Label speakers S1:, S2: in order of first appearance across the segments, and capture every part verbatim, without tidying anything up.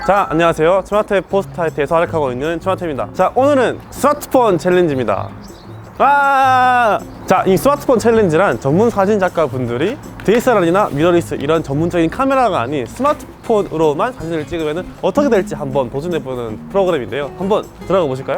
S1: 자, 안녕하세요. 스마트앱 포스타이트에서 활약하고 있는 스마트입니다. 자, 오늘은 스마트폰 챌린지입니다. 와! 자, 이 스마트폰 챌린지란 전문 사진 작가 분들이 디에스엘알이나 미러리스 이런 전문적인 카메라가 아닌 스마트폰으로만 사진을 찍으면 어떻게 될지 한번 도전해보는 프로그램인데요. 한번 들어가 보실까요?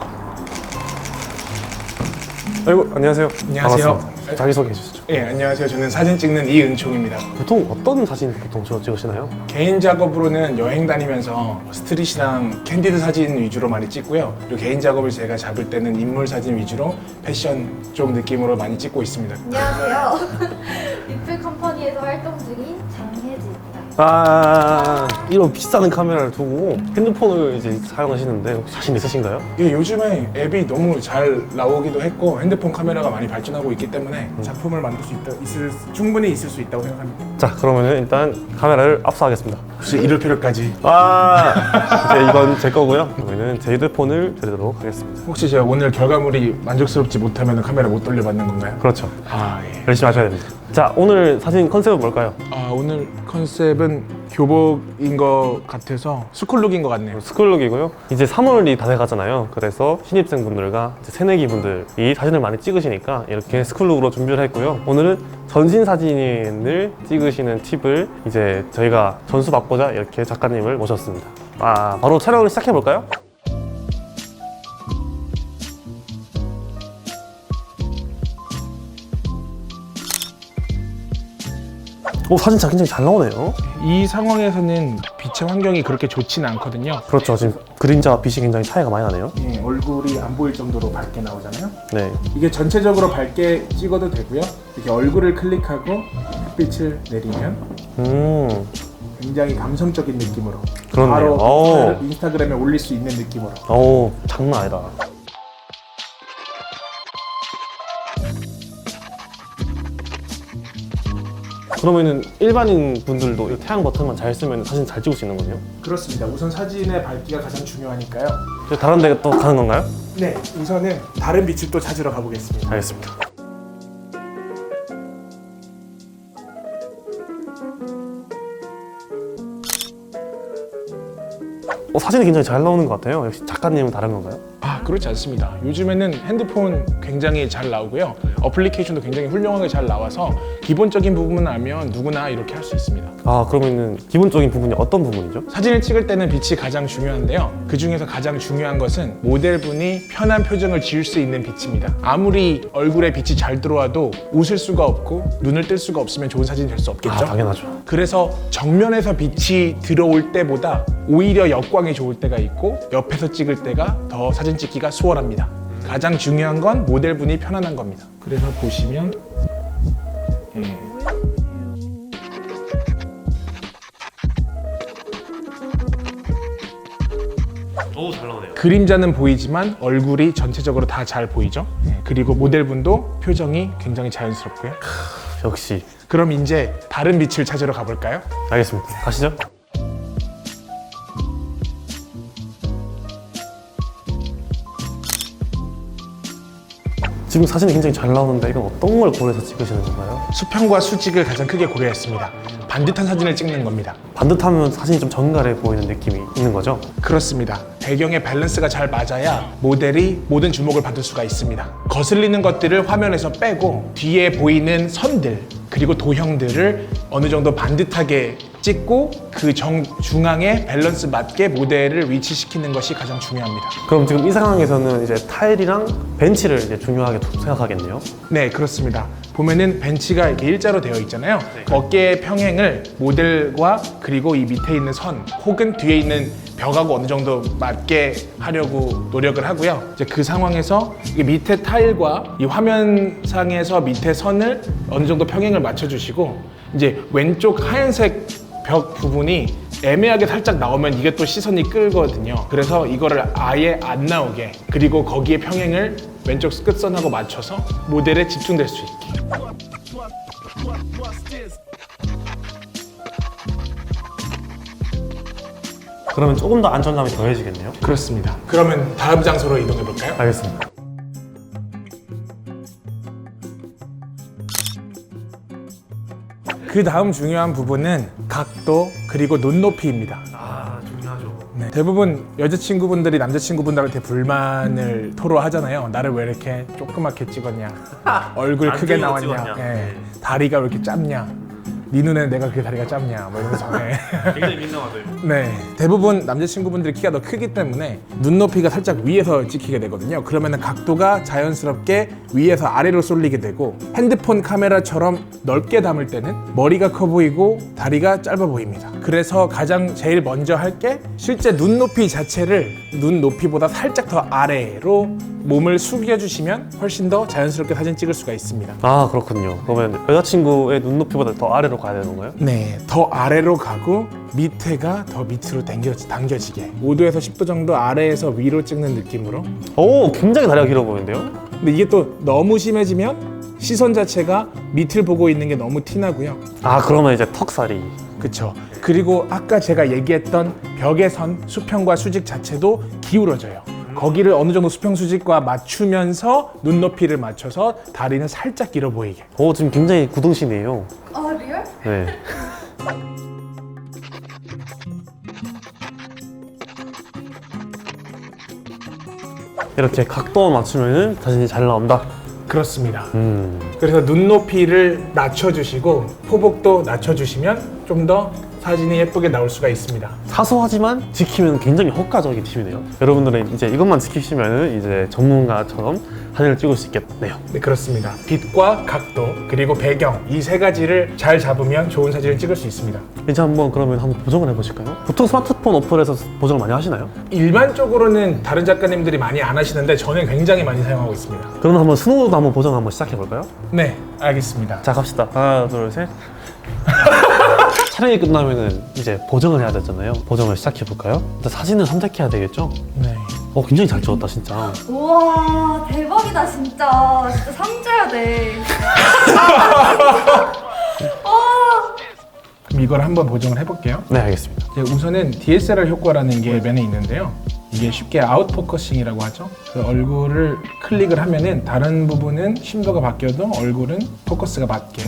S1: 아이고, 안녕하세요.
S2: 안녕하세요.
S1: 반갑습니다. 자기소개해 주시죠.
S2: 예, 안녕하세요. 저는 사진 찍는 이은총입니다.
S1: 보통 어떤 사진 보통 주로 찍으시나요?
S2: 개인 작업으로는 여행 다니면서 스트릿이랑 캔디드 사진 위주로 많이 찍고요. 그리고 개인 작업을 제가 잡을 때는 인물 사진 위주로 패션 쪽 느낌으로 많이 찍고 있습니다.
S3: 안녕하세요. 리플 컴퍼니에서 활동 중인 장혜지입니다.
S1: 아, 이런 비싼 카메라를 두고 핸드폰을 이제 사용하시는데 혹시 자신 있으신가요?
S2: 이게 요즘에 앱이 너무 잘 나오기도 했고 핸드폰 카메라가 많이 발전하고 있기 때문에 작품을 만들 수 있다, 있을, 충분히 있을 수 있다고 생각합니다.
S1: 자, 그러면 일단 카메라를 압수하겠습니다.
S2: 혹시 이럴 필요까지?
S1: 아, 이제 이건 제 거고요. 그러면은 제 휴대폰을 드리도록 하겠습니다.
S2: 혹시 제가 오늘 결과물이 만족스럽지 못하면 카메라 못 돌려받는 건가요?
S1: 그렇죠.
S2: 아, 예.
S1: 열심히 하셔야 됩니다. 자, 오늘 사진 컨셉은 뭘까요?
S2: 아, 오늘 컨셉은 교복인 것 같아서 스쿨룩인 것 같네요.
S1: 스쿨룩이고요. 이제 삼월이 다 돼가잖아요. 그래서 신입생분들과 이제 새내기 분들이 사진을 많이 찍으시니까 이렇게 스쿨룩으로 준비를 했고요. 오늘은 전신 사진을 찍으시는 팁을 이제 저희가 전수 받고자 이렇게 작가님을 모셨습니다. 아, 바로 촬영을 시작해 볼까요? 오, 사진 자 굉장히 잘 나오네요.
S2: 이 상황에서는 빛의 환경이 그렇게 좋지는 않거든요.
S1: 그렇죠. 지금 그림자와 빛이 굉장히 차이가 많이 나네요.
S2: 예, 얼굴이 안 보일 정도로 밝게 나오잖아요.
S1: 네.
S2: 이게 전체적으로 밝게 찍어도 되고요. 이렇게 얼굴을 클릭하고 햇빛을 내리면
S1: 음,
S2: 굉장히 감성적인 느낌으로
S1: 그렇네요.
S2: 바로
S1: 오.
S2: 인스타- 인스타그램에 올릴 수 있는 느낌으로.
S1: 오, 장난 아니다. 그러면은 일반인 분들도 이 태양 버튼만 잘 쓰면 사진 잘 찍을 수 있는 거네요?
S2: 그렇습니다. 우선 사진의 밝기가 가장 중요하니까요.
S1: 이제 다른 데 또 가는 건가요?
S2: 네, 우선은 다른 빛을 또 찾으러 가보겠습니다.
S1: 알겠습니다. 어, 사진이 굉장히 잘 나오는 것 같아요. 역시 작가님은 다른 건가요?
S2: 아, 그렇지 않습니다. 요즘에는 핸드폰 굉장히 잘 나오고요. 어플리케이션도 굉장히 훌륭하게 잘 나와서 기본적인 부분만 알면 누구나 이렇게 할 수 있습니다.
S1: 아, 그러면은 기본적인 부분이 어떤 부분이죠?
S2: 사진을 찍을 때는 빛이 가장 중요한데요. 그 중에서 가장 중요한 것은 모델분이 편한 표정을 지을 수 있는 빛입니다. 아무리 얼굴에 빛이 잘 들어와도 웃을 수가 없고 눈을 뜰 수가 없으면 좋은 사진이 될 수 없겠죠.
S1: 아, 당연하죠.
S2: 그래서 정면에서 빛이 들어올 때보다 오히려 역광이 좋을 때가 있고 옆에서 찍을 때가 더 사진 찍기가 수월합니다. 가장 중요한 건 모델분이 편안한 겁니다. 그래서 보시면 예.
S1: 오, 잘 나오네요.
S2: 그림자는 보이지만 얼굴이 전체적으로 다 잘 보이죠. 예. 그리고 모델분도 표정이 굉장히 자연스럽고요.
S1: 역시.
S2: 그럼 이제 다른 빛을 찾으러 가볼까요?
S1: 알겠습니다. 가시죠. 지금 사진이 굉장히 잘 나오는데 이건 어떤 걸 고려해서 찍으시는 건가요?
S2: 수평과 수직을 가장 크게 고려했습니다. 반듯한 사진을 찍는 겁니다.
S1: 반듯하면 사진이 좀 정갈해 보이는 느낌이 있는 거죠?
S2: 그렇습니다. 배경의 밸런스가 잘 맞아야 모델이 모든 주목을 받을 수가 있습니다. 거슬리는 것들을 화면에서 빼고 뒤에 보이는 선들 그리고 도형들을 어느 정도 반듯하게 찍고 그 정, 중앙에 밸런스 맞게 모델을 위치시키는 것이 가장 중요합니다.
S1: 그럼 지금 이 상황에서는 이제 타일이랑 벤치를 이제 중요하게 생각하겠네요.
S2: 네, 그렇습니다. 보면은 벤치가 이렇게 일자로 되어 있잖아요. 어깨의 평행을 모델과 그리고 이 밑에 있는 선 혹은 뒤에 있는 벽하고 어느 정도 맞게 하려고 노력을 하고요. 이제 그 상황에서 이 밑에 타일과 이 화면상에서 밑에 선을 어느 정도 평행을 맞춰주시고 이제 왼쪽 하얀색 벽 부분이 애매하게 살짝 나오면 이게 또 시선이 끌거든요. 그래서 이거를 아예 안 나오게 그리고 거기에 평행을 왼쪽 끝선하고 맞춰서 모델에 집중될 수 있게.
S1: 그러면 조금 더 안정감이 더해지겠네요.
S2: 그렇습니다. 그러면 다음 장소로 이동해 볼까요?
S1: 알겠습니다.
S2: 그 다음 중요한 부분은 각도 그리고 눈높이입니다.
S1: 아, 중요하죠.
S2: 네. 대부분 여자친구분들이 남자친구분들한테 불만을 토로하잖아요. 나를 왜 이렇게 조그맣게 찍었냐, 얼굴
S1: 안
S2: 크게
S1: 찍어서
S2: 나왔냐,
S1: 찍었냐.
S2: 예.
S1: 네.
S2: 다리가 왜 이렇게 짧냐, 네 눈에는 내가 그렇게 다리가 짧냐, 뭐 이러면서. 네.
S1: 굉장히 민감하죠.
S2: 네, 대부분 남자친구분들이 키가 더 크기 때문에 눈높이가 살짝 위에서 찍히게 되거든요. 그러면 각도가 자연스럽게 위에서 아래로 쏠리게 되고, 핸드폰 카메라처럼 넓게 담을 때는 머리가 커 보이고 다리가 짧아 보입니다. 그래서 가장 제일 먼저 할 게 실제 눈높이 자체를 눈높이보다 살짝 더 아래로 몸을 숙여주시면 훨씬 더 자연스럽게 사진 찍을 수가 있습니다.
S1: 아 그렇군요. 그러면 여자친구의 눈높이보다 더 아래로 가야 되는 건가요?
S2: 네, 더 아래로 가고 밑에가 더 밑으로 당겨, 당겨지게 오 도에서 십 도 정도 아래에서 위로 찍는 느낌으로.
S1: 오 굉장히 다리가 길어 보이는데요?
S2: 근데 이게 또 너무 심해지면 시선 자체가 밑을 보고 있는 게 너무 티나고요.
S1: 아 그러면 이제 턱살이
S2: 그쵸. 그리고 아까 제가 얘기했던 벽의 선, 수평과 수직 자체도 기울어져요. 거기를 어느 정도 수평 수직과 맞추면서 눈높이를 맞춰서 다리는 살짝 길어 보이게.
S1: 오 지금 굉장히 구동신이에요.
S3: 아 리얼?
S1: 네. 이렇게 각도만 맞추면 사진이 잘 나온다.
S2: 그렇습니다.
S1: 음.
S2: 그래서 눈높이를 낮춰주시고 포복도 낮춰주시면 좀 더 사진이 예쁘게 나올 수가 있습니다.
S1: 사소하지만 지키면 굉장히 효과적인 팁이네요. 여러분들은 이제 이것만 지키시면 이제 전문가처럼 사진을 찍을 수 있겠네요.
S2: 네, 그렇습니다. 빛과 각도 그리고 배경 이 세 가지를 잘 잡으면 좋은 사진을 찍을 수 있습니다.
S1: 이제 한번 그러면 한번 보정을 해보실까요? 보통 스마트폰 어플에서 보정을 많이 하시나요?
S2: 일반적으로는 다른 작가님들이 많이 안 하시는데 저는 굉장히 많이 사용하고 있습니다.
S1: 그럼 한번 스노우도 한번 보정 한번 시작해볼까요?
S2: 네, 알겠습니다.
S1: 자 갑시다. 하나 둘 셋. 촬영이 끝나면은 이제 보정을 해야 되잖아요. 보정을 시작해볼까요? 일단 사진을 선택해야 되겠죠?
S2: 네.
S1: 어 굉장히 잘 찍었다 진짜.
S3: 우와 대박이다 진짜. 진짜 상줘야 돼. 아,
S2: 그럼 이걸 한번 보정을 해볼게요.
S1: 네 알겠습니다.
S2: 이제 우선은 디에스엘알 효과라는 게 면에 있는데요. 이게 쉽게 아웃포커싱이라고 하죠. 그 얼굴을 클릭을 하면은 다른 부분은 심도가 바뀌어도 얼굴은 포커스가 맞게.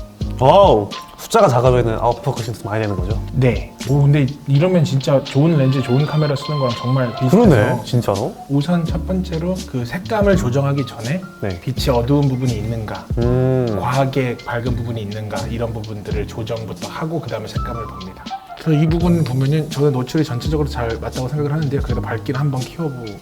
S1: 와우 숫자가 작으면은 아웃포커싱 많이 되는 거죠?
S2: 네. 오 근데 이러면 진짜 좋은 렌즈, 좋은 카메라 쓰는 거랑 정말 비슷해서.
S1: 그러네 진짜로.
S2: 우선 첫 번째로 그 색감을 조정하기 전에
S1: 네.
S2: 빛이 어두운 부분이 있는가,
S1: 음.
S2: 과하게 밝은 부분이 있는가 이런 부분들을 조정부터 하고 그 다음에 색감을 봅니다. 그래서 이 부분 보면은 저는 노출이 전체적으로 잘 맞다고 생각을 하는데요. 그래도 밝기를 한번 키워보면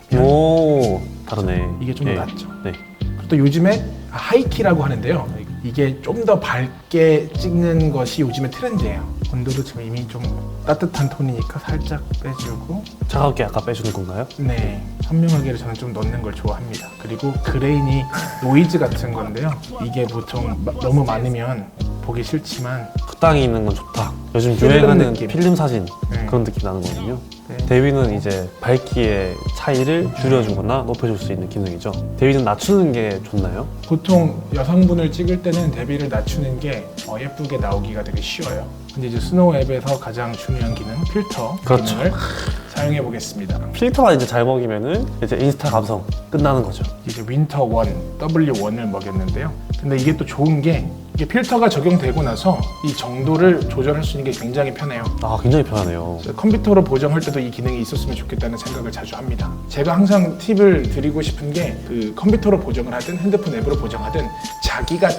S1: 오 다르네.
S2: 이게 좀 더
S1: 예.
S2: 낫죠.
S1: 네.
S2: 또 요즘에 하이키라고 하는데요. 이게 좀 더 밝게 찍는 것이 요즘에 트렌드예요. 온도도 지금 이미 좀 따뜻한 톤이니까 살짝 빼주고.
S1: 차갑게 아까 빼주는 건가요?
S2: 네, 선명하게를 저는 좀 넣는 걸 좋아합니다. 그리고 그레인이 노이즈 같은 건데요. 이게 보통 마- 너무 많으면 보기 싫지만
S1: 적당히 있는 건 좋다. 요즘
S2: 필름
S1: 유행하는
S2: 느낌.
S1: 필름 사진
S2: 네.
S1: 그런 느낌 나는 거거든요.
S2: 네.
S1: 대위는 이제 밝기의 차이를 줄여주거나 높여줄 수 있는 기능이죠. 대위는 낮추는 게 좋나요?
S2: 보통 여성분을 찍을 때는 대비를 낮추는 게 어, 예쁘게 나오기가 되게 쉬워요. 근데 이제 스노우 앱에서 가장 중요한 기능 필터
S1: 그렇죠.
S2: 기능을 사용해 보겠습니다.
S1: 필터가 이제 잘 먹이면은 이제 인스타 감성 끝나는 거죠.
S2: 이제 윈터 원, 더블유 원을 먹였는데요. 근데 이게 또 좋은 게 이게 필터가 적용되고 나서 이 정도를 조절할 수 있는 게 굉장히 편해요.
S1: 아 굉장히 편하네요.
S2: 그래서 컴퓨터로 보정할 때도 이 기능이 있었으면 좋겠다는 생각을 자주 합니다. 제가 항상 팁을 드리고 싶은 게 그 컴퓨터로 보정을 하든 핸드폰 앱으로 보정하든 자기가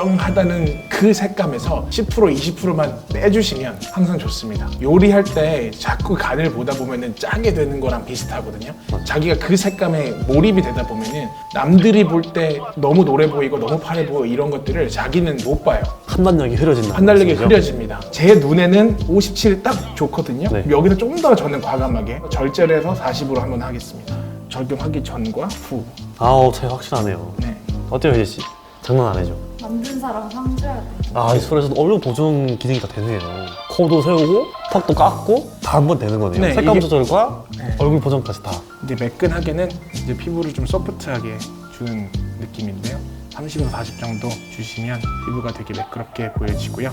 S2: 적정하다는 그 색감에서 십 퍼센트, 이십 퍼센트만 빼주시면 항상 좋습니다. 요리할 때 자꾸 간을 보다 보면은 짜게 되는 거랑 비슷하거든요. 자기가 그 색감에 몰입이 되다 보면은 남들이 볼 때 너무 노래 보이고 너무 파래 보이고 이런 것들을 자기는 못 봐요.
S1: 판단력이 흐려진다.
S2: 판단력이 흐려집니다. 제 눈에는 오십칠이 딱 좋거든요.
S1: 네.
S2: 여기서 좀 더 저는 과감하게 절제를 해서 사십으로 한번 하겠습니다. 적용하기 전과 후.
S1: 아우 차이 확실하네요.
S2: 네.
S1: 어때요 혜지 씨? 장난 안 해죠?
S3: 만든 사람 상줘야 돼.
S1: 아, 이 소리에서도 얼굴 보정 기능이 다 되네요. 코도 세우고, 턱도 깎고, 다 한 번 되는 거네요.
S2: 네,
S1: 색감
S2: 이게-
S1: 조절과
S2: 네.
S1: 얼굴 보정까지 다.
S2: 이제 매끈하게는 이제 피부를 좀 소프트하게 주는 느낌인데요. 삼십에서 사십 정도 주시면 피부가 되게 매끄럽게 보여지고요.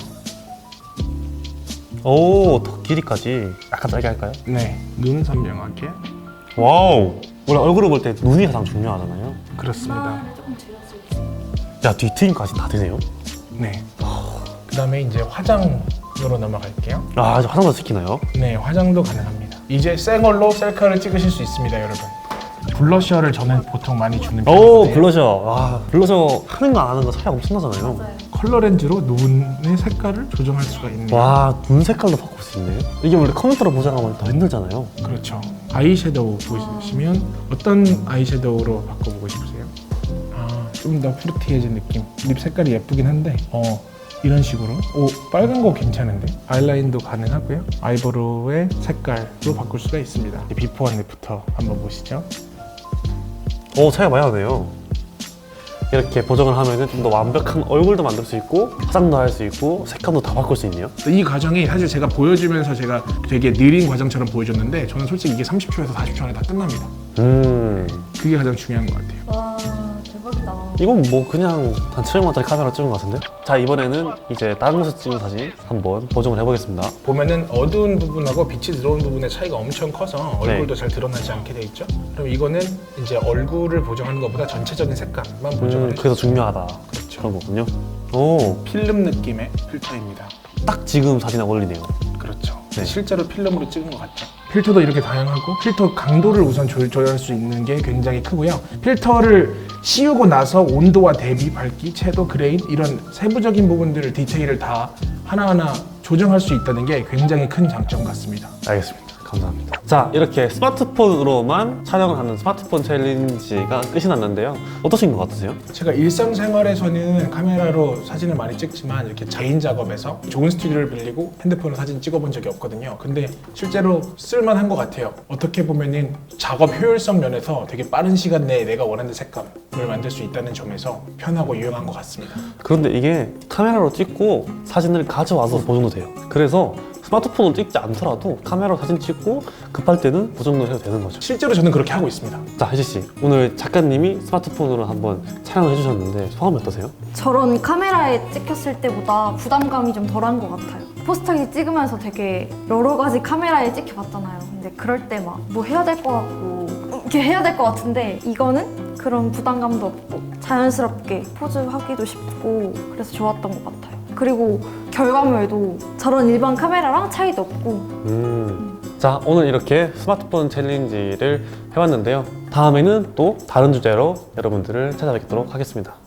S1: 오, 턱 길이까지 약간 짧게 할까요?
S2: 네, 눈 선명하게.
S1: 와우. 원래 얼굴을 볼 때 눈이 가장 중요하잖아요.
S2: 그렇습니다.
S3: 이마를 조금 줄여줄 수 있어요.
S1: 야, 뒤트임까지 다 되네요.
S2: 네. 그 다음에 이제 화장으로 넘어갈게요.
S1: 아, 이제 화장도 시키나요?
S2: 네, 화장도 가능합니다. 이제 새 걸로 셀카를 찍으실 수 있습니다, 여러분. 블러셔를 저는 보통 많이 주는
S1: 오
S2: 편인데
S1: 블러셔. 아 블러셔 하는 거 안 하는 거 차이가 엄청나잖아요.
S3: 맞아요.
S2: 컬러 렌즈로 눈의 색깔을 조정할 수가 있네요.
S1: 와 눈 색깔도 바꿀 수 있네. 이게 원래 컴퓨터로 보정하면 더 힘들잖아요.
S2: 그렇죠. 아이섀도우 보시면 어떤 아이섀도우로 바꿔보고 싶으세요? 아, 좀 더 프루티해진 느낌. 립 색깔이 예쁘긴 한데 어 이런 식으로 오 빨간 거 괜찮은데 아이라인도 가능하고요. 아이브로우의 색깔로 바꿀 수가 있습니다. 비포 앤 애프터 한번 보시죠.
S1: 오 차이가 많이 나네요. 이렇게 보정을 하면은 좀 더 완벽한 얼굴도 만들 수 있고 화장도 할 수 있고 색감도 다 바꿀 수 있네요.
S2: 이 과정이 사실 제가 보여주면서 제가 되게 느린 과정처럼 보여줬는데 저는 솔직히 이게 삼십 초에서 사십 초 안에 다 끝납니다.
S1: 음
S2: 그게 가장 중요한 것 같아요.
S3: 와 대박이다. 이건
S1: 이건 뭐 그냥 한 칠백만짜리 카메라 찍은 것 같은데? 자 이번에는 이제 다른 곳에서 찍은 사진 한번 보정을 해보겠습니다.
S2: 보면은 어두운 부분하고 빛이 들어온 부분의 차이가 엄청 커서 얼굴도
S1: 네.
S2: 잘 드러나지 않게 돼 있죠. 그럼 이거는 이제 얼굴을 보정하는 것보다 전체적인 색감만 보정을
S1: 음
S2: 해주는
S1: 그래서 중요하다.
S2: 그렇죠.
S1: 그런 거군요. 오,
S2: 필름 느낌의 필터입니다.
S1: 딱 지금 사진에 어울리네요.
S2: 그렇죠.
S1: 네.
S2: 실제로 필름으로 찍은 것 같죠. 필터도 이렇게 다양하고 필터 강도를 우선 조, 조절할 수 있는 게 굉장히 크고요. 필터를 씌우고 나서 온도와 대비, 밝기, 채도, 그레인 이런 세부적인 부분들을 디테일을 다 하나하나 조정할 수 있다는 게 굉장히 큰 장점 같습니다.
S1: 알겠습니다. 감사합니다. 자 이렇게 스마트폰으로만 촬영을 하는 스마트폰 챌린지가 끝이 났는데요. 어떠신 것 같으세요?
S2: 제가 일상생활에서는 카메라로 사진을 많이 찍지만 이렇게 개인 작업에서 좋은 스튜디오를 빌리고 핸드폰으로 사진 찍어본 적이 없거든요. 근데 실제로 쓸만한 것 같아요. 어떻게 보면은 작업 효율성 면에서 되게 빠른 시간 내에 내가 원하는 색감을 만들 수 있다는 점에서 편하고 유용한 것 같습니다.
S1: 그런데 이게 카메라로 찍고 사진을 가져와서 보정도 돼요. 그래서 스마트폰으로 찍지 않더라도 카메라로 사진 찍고 급할 때는 보정도 해도 되는 거죠.
S2: 실제로 저는 그렇게 하고 있습니다.
S1: 자 혜지 씨, 오늘 작가님이 스마트폰으로 한번 촬영을 해주셨는데 소감이 어떠세요?
S3: 저런 카메라에 찍혔을 때보다 부담감이 좀 덜한 것 같아요. 포스터기 찍으면서 되게 여러 가지 카메라에 찍혀봤잖아요. 근데 그럴 때 막 뭐 해야 될 것 같고 이렇게 해야 될 것 같은데 이거는 그런 부담감도 없고 자연스럽게 포즈하기도 쉽고 그래서 좋았던 것 같아요. 그리고 결과물도 저런 일반 카메라랑 차이도 없고.
S1: 음. 자 오늘 이렇게 스마트폰 챌린지를 해봤는데요. 다음에는 또 다른 주제로 여러분들을 찾아뵙도록 하겠습니다.